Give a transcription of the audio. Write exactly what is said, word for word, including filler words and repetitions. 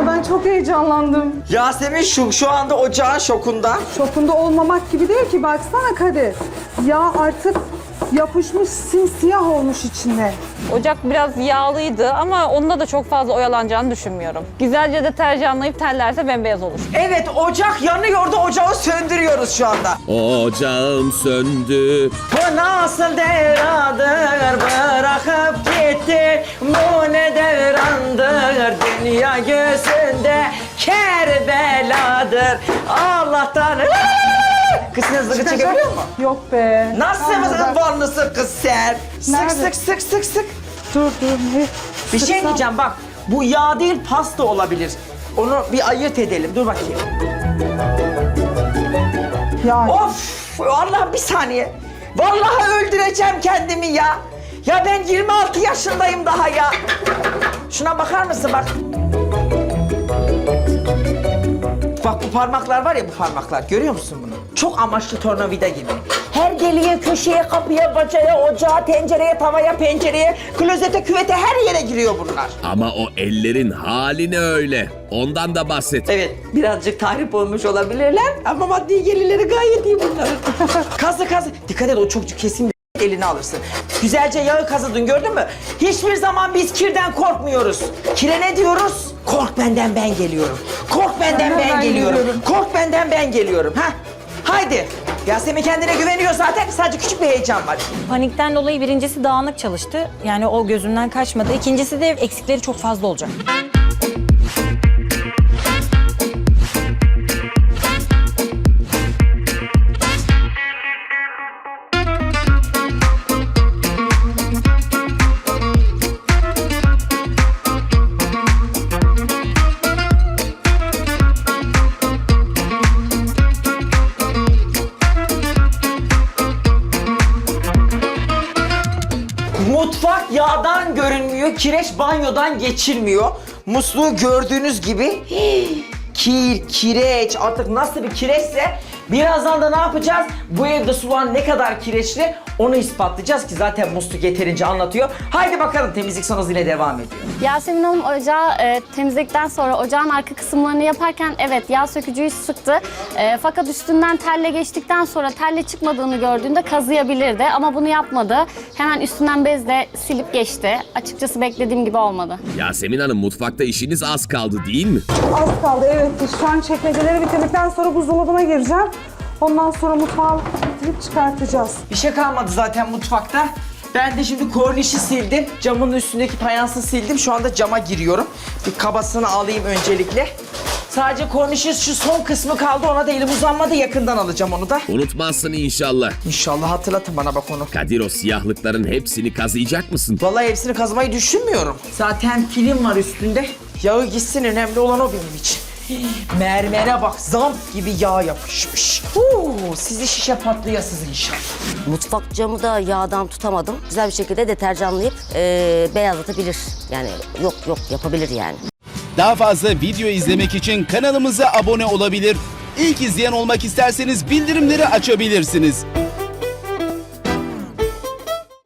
Aa, ben çok heyecanlandım. Yasemin şu, şu anda ocağın şokunda. Şokunda olmamak gibi değil ki, baksana Kadir. Yağ artık yapışmış, simsiyah olmuş içinde. Ocak biraz yağlıydı ama onda da çok fazla oyalanacağını düşünmüyorum. Güzelce deterjanlayıp tellerse bembeyaz olur. Evet, ocak yanıyor da ocağı söndürüyoruz şu anda. Ocağım söndü. Bu nasıl devradır bırakıp gitti, bu ne devrandır dünya gözünde Kerbeladır Allah'tan. Kız sen zıgı çekebiliyor musun? Yok be. Nasıl mısın varlısın kız sen? Sık Nerede? sık sık sık sık. Dur dur. Ne? Bir şey Sıksam- diyeceğim bak, bu yağ değil pasta olabilir. Onu bir ayırt edelim, dur bakayım. Yani. Of, vallahi bir saniye. Vallahi öldüreceğim kendimi ya. Ya ben yirmi altı yaşındayım daha ya. Şuna bakar mısın bak. Bak bu parmaklar var ya, bu parmaklar. Görüyor musun bunu? Çok amaçlı tornavida gibi. Her deliğe, köşeye, kapıya, bacaya, ocağa, tencereye, tavaya, pencereye, klozete, küvete her yere giriyor bunlar. Ama o ellerin hali ne öyle? Ondan da bahset. Evet, birazcık tahrip olmuş olabilirler ama maddi gelirleri gayet iyi bunların. Kazı kazı. Dikkat et, o çok kesin eline alırsın. Güzelce yağı kazıdın, gördün mü? Hiçbir zaman biz kirden korkmuyoruz. Kire ne diyoruz? Kork benden, ben geliyorum. Kork benden, ben, ben geliyorum. geliyorum. Kork benden, ben geliyorum. Ha? Haydi. Yasemin kendine güveniyor zaten. Sadece küçük bir heyecan var. Panikten dolayı birincisi dağınık çalıştı. Yani o gözümden kaçmadı. İkincisi de eksikleri çok fazla olacak. Mutfak yağdan görünmüyor, kireç banyodan geçilmiyor. Musluğu gördüğünüz gibi hii, kir, kireç, artık nasıl bir kireçse birazdan da ne yapacağız? Bu evde sular ne kadar kireçli onu ispatlayacağız ki zaten musluk yeterince anlatıyor. Haydi bakalım, temizlik son hızıyla devam ediyor. Yasemin Hanım ocağı e, temizledikten sonra ocağın arka kısımlarını yaparken evet yağ sökücüyü sıktı. E, fakat üstünden telle geçtikten sonra telle çıkmadığını gördüğünde kazıyabilirdi ama bunu yapmadı. Hemen üstünden bezle silip geçti. Açıkçası beklediğim gibi olmadı. Yasemin Hanım, mutfakta işiniz az kaldı değil mi? Az kaldı, evet. Şu an çekmeceleri bitirdikten sonra buzdolabına gireceğim. Ondan sonra mutfağı bitirip çıkartacağız. Bir şey kalmadı zaten mutfakta. Ben de şimdi kornişi sildim. Camın üstündeki fayansı sildim. Şu anda cama giriyorum. Bir kabasını alayım öncelikle. Sadece kornişin şu son kısmı kaldı. Ona da elim uzanmadı. Yakından alacağım onu da. Unutmazsın inşallah. İnşallah hatırlatın bana bak onu. Kadir, o siyahlıkların hepsini kazıyacak mısın? Vallahi hepsini kazımayı düşünmüyorum. Zaten film var üstünde. Yağı gitsin, önemli olan o benim için. Mermere bak, zamp gibi yağ yapışmış. Huu, sizi şişe patlayasız inşallah. Mutfak camı da yağdan tutamadım. Güzel bir şekilde deterjanlayıp eee beyazlatabilir. Yani yok yok yapabilir yani. Daha fazla video izlemek için kanalımıza abone olabilir. İlk izleyen olmak isterseniz bildirimleri açabilirsiniz.